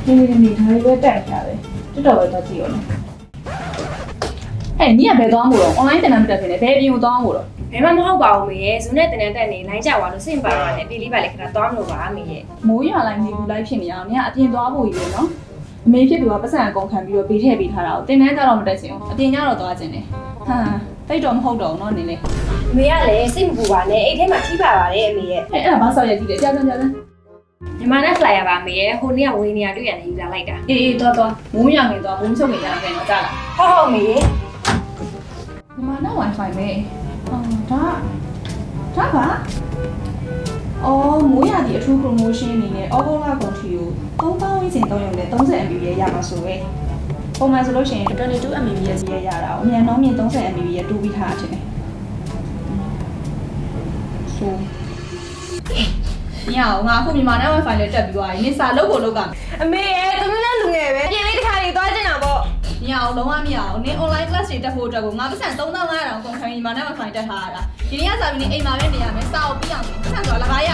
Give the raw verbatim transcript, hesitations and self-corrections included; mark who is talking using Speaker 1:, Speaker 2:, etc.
Speaker 1: နေနေနေဒါတွေပဲတက်ကြတယ်တော်တော်ပဲတော့ကြည့်ရောဟဲ့ညီကဘယ်သွားမို့တော့ online တင်တန်းမတက်ဖြစ်နေဘယ်ပြင်ကိုသွားမို့တော့
Speaker 2: ဘယ်မှမဟုတ်ပါဘူးမေရဲ့ဇုံနဲ့တင်တန်းတက်နေလိုင်းကြသွားလို့စင်ပါတော့လည်းပြေးလေးပါလေခဏသွားမလို့ပါမေရဲ့
Speaker 1: မိုးရွာလိုက်နေဘူးလိုက်ဖြစ်နေအောင်ညီကအပြင်သွားဖို့ကြီးပဲနော်အမေဖြစ်သူကပတ်စံအကုန်ခံပြီးတော့ဘေးထည့်ပေးထားတာကိုတင်တန်းကြတော့မတက်ချင်ဘူးအပြင်ကျတော့သွားချင်တယ်ဟမ်တိတ်တော့မဟုတ်တော့ဘူးနော်နင်းလေ
Speaker 2: မေကလည်းစိတ်မပူပါနဲ့အိတ်ထဲမှာထိပါပါတယ်အမေရဲ့
Speaker 1: အဲ့အဲ့ဒါဘာဆောက်ရကြည့်လဲကြာကြာကြာကြာ
Speaker 2: မြန်မာနဲ့ flyer ပါမေရဲ့ဟိုနေ့ကဝေးနေရတွေ့ရတယ်ယူလာလိုက်တာ
Speaker 1: အေးအေးသွားသွားမိုးရွာငင်သွားဘုံချုပ်နေကြတယ်နော်ကြာလား
Speaker 2: ဟုတ်ဟုတ်မေရဲ့
Speaker 1: မြန်မာနဲ့ wifi ပဲအော်ဒါဒါပါအော်မိုးရသည့်အထူး promotion အနေနဲ့အော်ဂိုလာကွန်ထရီကိုသုံးသောင်းဝန်းကျင်သုံးရုံနဲ့ သirty M B P S ရမှာဆိုပဲပုံမှန်ဆိုလို့ရှိရင် twenty-two M B P S ရရတာအမြန်နှုန်းမြင့် thirty M B P S တူပြီးထားတာဖြစ်တယ်ဆိုညောင်ငါအခုမြန်မာနဲ့ wifi နဲ့တက်ပြီးသွားပြီနင်စာလုပ်ဖို့လုပ်ကမယ်
Speaker 2: အမေရဲ့သူမျိုးနဲ့လူငယ်ပဲပြင်လေးတစ်ခါလေးသွားကျင်တာပေါ့
Speaker 1: ညောင်လုံးဝမရအောင်နင် online class တွေတက်ဖို့အတွက်ကိုငါပတ်စံthree thousand five hundredကုန်ခံမြန်မာနဲ့ wifi တက်ထားရတာဒီနေ့ကစာပြီးနေအိမ်မှာပဲနေရမယ်စာအုပ်ပြီးအောင်ပတ်စံဆိုတာလကားရ